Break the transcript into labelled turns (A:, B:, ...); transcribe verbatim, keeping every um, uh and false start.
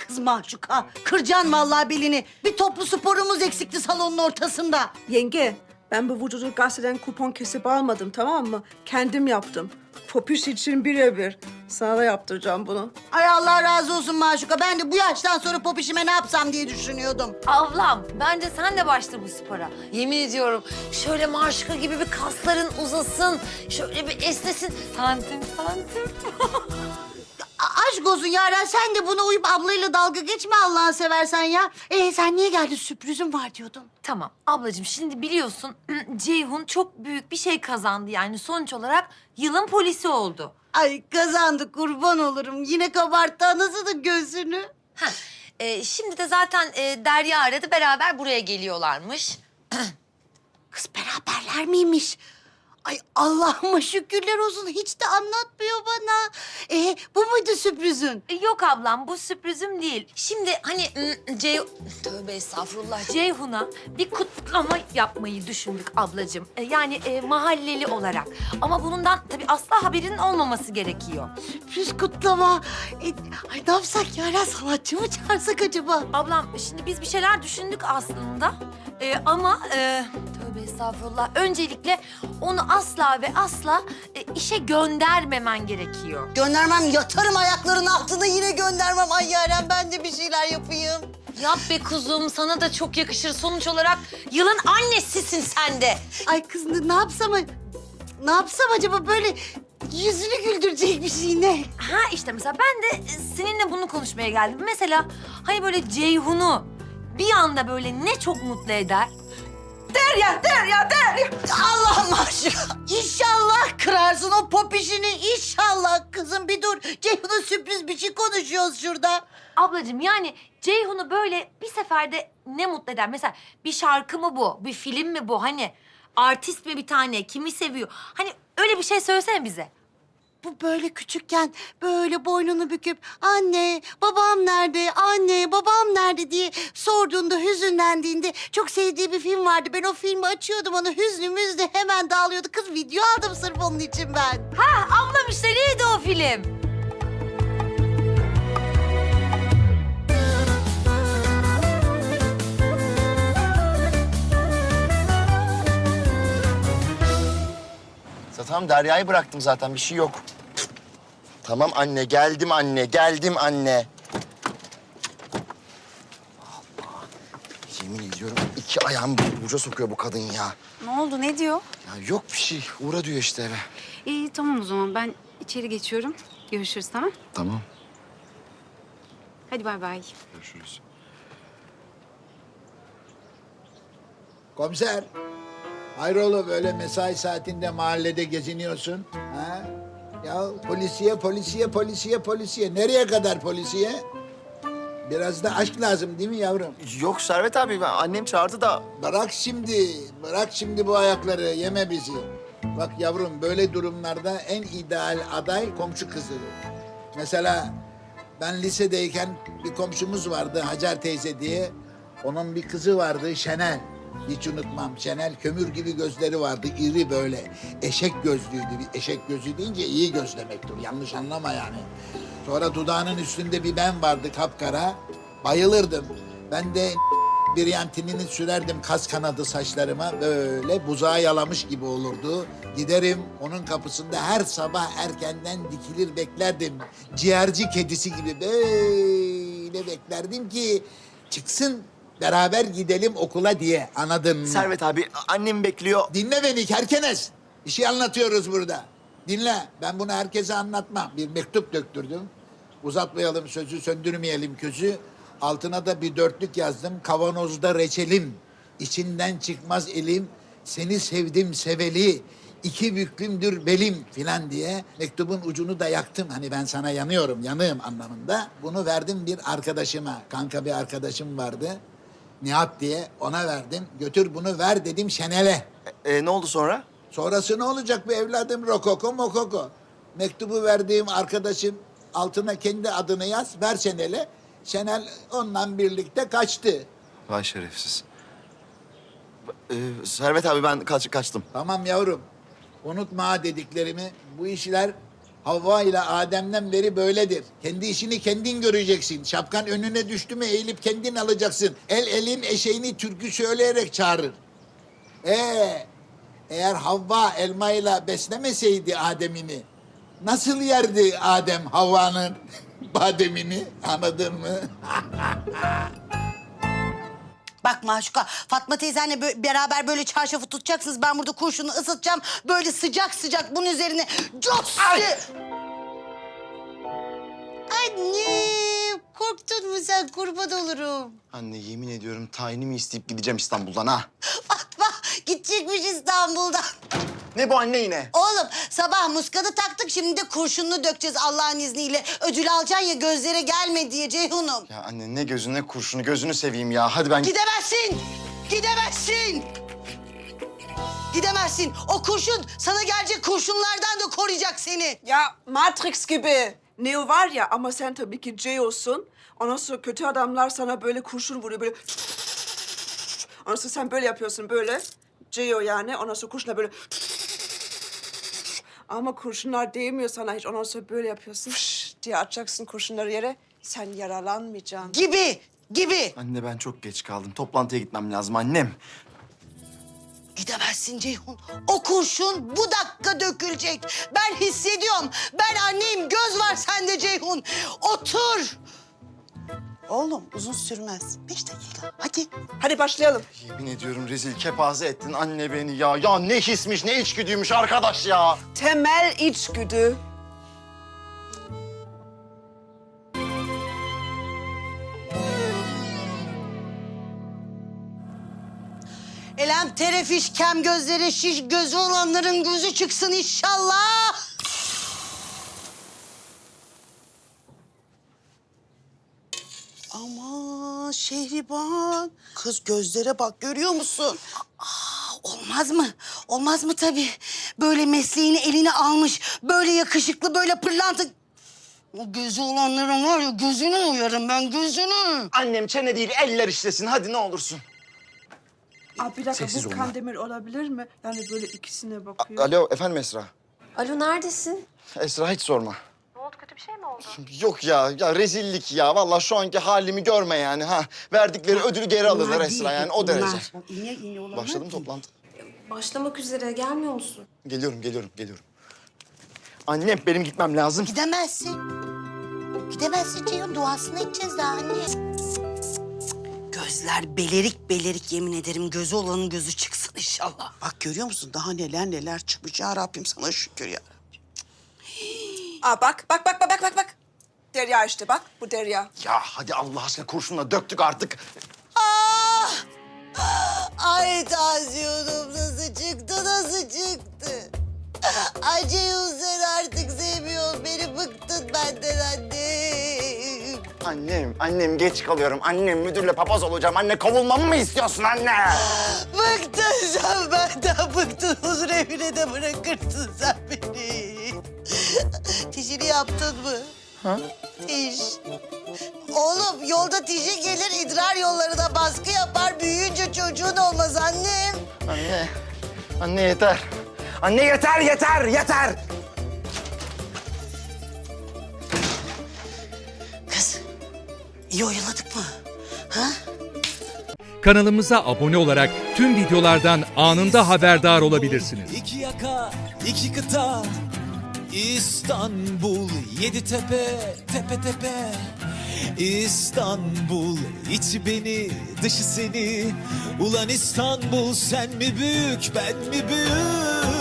A: kız mahcuka. Kıracaksın vallahi belini. Bir toplu sporumuz eksikti salonun ortasında.
B: Yenge, ben bu vücudu gazeteden kupon kesip almadım, tamam mı? Kendim yaptım. Popüş için birebir. Sana da yaptıracağım bunu.
A: Ay Allah razı olsun mahcuka. Ben de bu yaştan sonra popişime ne yapsam diye düşünüyordum.
C: Ablam, bence sen de başla bu spora. Yemin ediyorum şöyle Maşuka gibi bir kasların uzasın, şöyle bir esnesin. Santim santim.
A: A- aşk olsun Yaren, sen de buna uyup ablayla dalga geçme Allah'ını seversen ya. Ee sen niye geldin? Sürprizim var diyordun.
C: Tamam ablacığım, şimdi biliyorsun Ceyhun çok büyük bir şey kazandı. Yani sonuç olarak yılın polisi oldu.
A: Ay kazandı, kurban olurum. Yine kabarttı anasının gözünü.
C: Heh, e, şimdi de zaten e, Derya aradı, beraber buraya geliyorlarmış.
A: Kız beraberler miymiş? Ay Allah'ıma şükürler olsun. Hiç de anlatmıyor bana. Ee, bu muydu sürprizin?
C: E, Yok ablam, bu sürprizim değil. Şimdi hani ım, Cey... Tövbe estağfurullah. Ceyhun'a bir kutlama yapmayı düşündük ablacığım. E, yani e, mahalleli olarak. Ama bundan tabii asla haberinin olmaması gerekiyor.
A: Sürpriz kutlama. Ee, ay ne yapsak Yaren? Sanatçı mı çağırsak acaba?
C: Ablam, şimdi biz bir şeyler düşündük aslında. E, ama e, tövbe estağfurullah. Öncelikle onu asla ve asla e, işe göndermemen gerekiyor.
A: Göndermem, yatarım ayaklarının altına, yine göndermem. Ay Yaren, ben de bir şeyler yapayım.
C: Yap be kuzum, sana da çok yakışır. Sonuç olarak yılın annesisin sen de.
A: Ay kız ne, ne yapsam, ne yapsam acaba, böyle yüzünü güldürecek bir şey ne?
C: Ha işte mesela ben de seninle bunu konuşmaya geldim. Mesela hani böyle Ceyhun'u bir anda böyle ne çok mutlu eder.
A: Derya, Derya, Derya. Allah'ım aşkına. İnşallah kırarsın o pop işini. İnşallah kızım, bir dur. Ceyhun'a sürpriz bir şey konuşuyoruz şurada.
C: Ablacığım yani Ceyhun'u böyle bir seferde ne mutlu eder? Mesela bir şarkı mı bu? Bir film mi bu? Hani artist mi bir tane? Kimi seviyor? Hani öyle bir şey söylesene bize.
A: Bu böyle küçükken böyle boynunu büküp anne babam nerede, anne babam nerede diye sorduğunda, hüzünlendiğinde çok sevdiği bir film vardı. Ben o filmi açıyordum, onu hüznü müzdü hemen dağılıyordu. Kız video aldım sırf onun için ben.
C: Ha ablam, işte neydi o film?
D: Tamam, Derya'yı bıraktım zaten, bir şey yok. Tamam anne, geldim anne, geldim anne. Allah, yemin ediyorum iki ayağımı burca sokuyor bu kadın ya.
E: Ne oldu, ne diyor?
D: Ya yok bir şey, uğra diyor işte eve.
E: İyi, tamam o zaman. Ben içeri geçiyorum. Görüşürüz, tamam?
D: Tamam.
E: Hadi bay bay.
D: Görüşürüz.
F: Komiser, hayrola böyle mesai saatinde mahallede geziniyorsun? Ha? Ya polisiye, polisiye, polisiye, polisiye. Nereye kadar polisiye? Biraz da aşk lazım değil mi yavrum?
D: Yok Servet abi, ben, annem çağırdı da.
F: Bırak şimdi, bırak şimdi bu ayakları, yeme bizi. Bak yavrum, böyle durumlarda en ideal aday komşu kızı. Mesela ben lisedeyken bir komşumuz vardı Hacer teyze diye. Onun bir kızı vardı Şenel. Hiç unutmam. Şenel kömür gibi gözleri vardı, iri böyle. Eşek gözlüydü. Bir eşek gözü deyince iyi göz demektir. Yanlış anlama yani. Sonra dudağının üstünde bir ben vardı kapkara. Bayılırdım. Ben de bir yantinini sürerdim kas kanadı saçlarıma. Böyle buzağı yalamış gibi olurdu. Giderim onun kapısında her sabah erkenden dikilir beklerdim. Ciğerci kedisi gibi böyle beklerdim ki çıksın, beraber gidelim okula diye, anladın mı?
D: Servet abi, annem bekliyor.
F: Dinle beni kerkenes. Bir şey anlatıyoruz burada. Dinle. Ben bunu herkese anlatmam. Bir mektup döktürdüm. Uzatmayalım sözü, söndürmeyelim közü. Altına da bir dörtlük yazdım. Kavanozda reçelim. İçinden çıkmaz elim. Seni sevdim seveli. İki büklümdür belim filan diye mektubun ucunu da yaktım. Hani ben sana yanıyorum, yanığım anlamında. Bunu verdim bir arkadaşıma. Kanka bir arkadaşım vardı. Nihat diye, ona verdim. Götür bunu ver dedim Şenel'e.
D: E, e, ne oldu sonra?
F: Sonrası ne olacak be evladım? Rokoko mokoko. Mektubu verdiğim arkadaşım altına kendi adını yaz, ver Şenel'e. Şenel onunla birlikte kaçtı.
D: Vay şerefsiz. E, Servet abi, ben kaç, kaçtım.
F: Tamam yavrum. Unutma ha dediklerimi. Bu işler Havva ile Adem'den beri böyledir. Kendi işini kendin göreceksin. Şapkan önüne düştü mü eğilip kendin alacaksın. El elin eşeğini türkü söyleyerek çağırır. Ee, eğer Havva elmayla beslemeseydi Adem'ini, nasıl yerdi Adem Havva'nın bademini? Anladın mı?
A: Bak Maşuka, Fatma teyzenle bö- beraber böyle çarşafı tutacaksınız. Ben burada kurşunu ısıtacağım. Böyle sıcak sıcak bunun üzerine... Cos! Anne, korktun mu sen? Kurban olurum.
D: Anne yemin ediyorum tayinimi isteyip gideceğim İstanbul'dan ha.
A: Fatma gidecekmiş İstanbul'dan.
D: Ne bu anne yine?
A: Oğlum sabah muskadı taktık, şimdi de kurşununu dökeceğiz Allah'ın izniyle. Ödül alacaksın ya, gözlere gelme diye Ceyhun'um.
D: Ya anne ne gözü ne kurşunu, gözünü seveyim ya. Hadi ben...
A: Gidemezsin! Gidemezsin! Gidemezsin. O kurşun sana gelecek kurşunlardan da koruyacak seni.
B: Ya Matrix gibi. Neo var ya ama sen tabii ki Ceo'sun. Ondan sonra kötü adamlar sana böyle kurşun vuruyor böyle. Ondan sonra sen böyle yapıyorsun böyle. Ceo yani. Ondan sonra kurşunlar böyle. Ama kurşunlar değmiyor sana hiç. Ondan sonra böyle yapıyorsun diye atacaksın kurşunları yere. Sen yaralanmayacaksın.
A: Gibi, gibi.
D: Anne ben çok geç kaldım. Toplantıya gitmem lazım annem.
A: Gidemezsin Ceyhun. O kurşun bu dakika dökülecek. Ben hissediyorum. Ben anneyim. Göz var sende Ceyhun. Otur. Oğlum uzun sürmez. Beş dakika. Hadi.
B: Hadi başlayalım.
D: Yemin ediyorum rezil kepaze ettin anne beni ya. Ya ne hismiş ne içgüdüymüş arkadaş ya.
B: Temel içgüdü.
A: Elem terefiş, kem gözleri şiş, gözü olanların gözü çıksın inşallah. Aman Şehriban. Kız gözlere bak, görüyor musun? Aa, olmaz mı? Olmaz mı tabii? Böyle mesleğini eline almış, böyle yakışıklı, böyle pırlanta... O gözü olanların var ya, gözünü uyarım ben, gözünü.
D: Annem çene değil eller işlesin hadi ne olursun.
B: Aa, bir dakika
D: Sessiz
B: bu
D: olma.
B: Kandemir olabilir mi? Yani böyle ikisine bakıyor.
D: Alo efendim Esra.
C: Alo neredesin?
D: Esra hiç sorma.
C: Ne oldu, kötü bir şey mi oldu?
D: Yok ya, ya rezillik ya. Vallahi şu anki halimi görme yani ha. Verdikleri ödülü geri alırlar Esra yani o derece.
A: İğne iğne olanlar
D: Başladı mı
A: değil.
D: toplantı?
C: Başlamak üzere, gelmiyor musun?
D: Geliyorum, geliyorum, geliyorum. Annem benim gitmem lazım.
A: Gidemezsin. Gidemezsin Ceyhun. Duasını edeceğiz daha anne. Gözler belerik belerik, yemin ederim. Gözü olanın gözü çıksın inşallah.
G: Bak görüyor musun? Daha neler neler çıkmış ya Rabbim, sana şükür ya.
B: Aa bak bak bak bak bak bak. Derya işte bak bu Derya.
D: Ya hadi Allah aşkına kurşunla döktük artık.
A: Ah! Ay tansiyonum nasıl çıktı, nasıl çıktı? Ay Ceyhun sen artık sevmiyorsun beni, bıktın benden annem.
D: Annem, annem geç kalıyorum. Annem müdürle papaz olacağım. Anne kovulmamı mı istiyorsun anne?
A: Bıktın sen benden, bıktın. Huzur evine de bırakırsın sen beni. Tişini yaptın mı?
D: Ha?
A: Tiş. Oğlum yolda tişi gelir, idrar yollarına baskı yapar. Büyüyünce çocuğun olmaz annem.
D: Anne, anne yeter. Anne yeter, yeter, yeter.
A: Kız, iyi oyaladık mı? Ha?
H: Kanalımıza abone olarak tüm videolardan anında haberdar olabilirsiniz.
I: İki yaka, iki kıta, İstanbul, yedi tepe, tepe tepe. İstanbul, içi beni, dışı seni. Ulan İstanbul, sen mi büyük, ben mi büyük?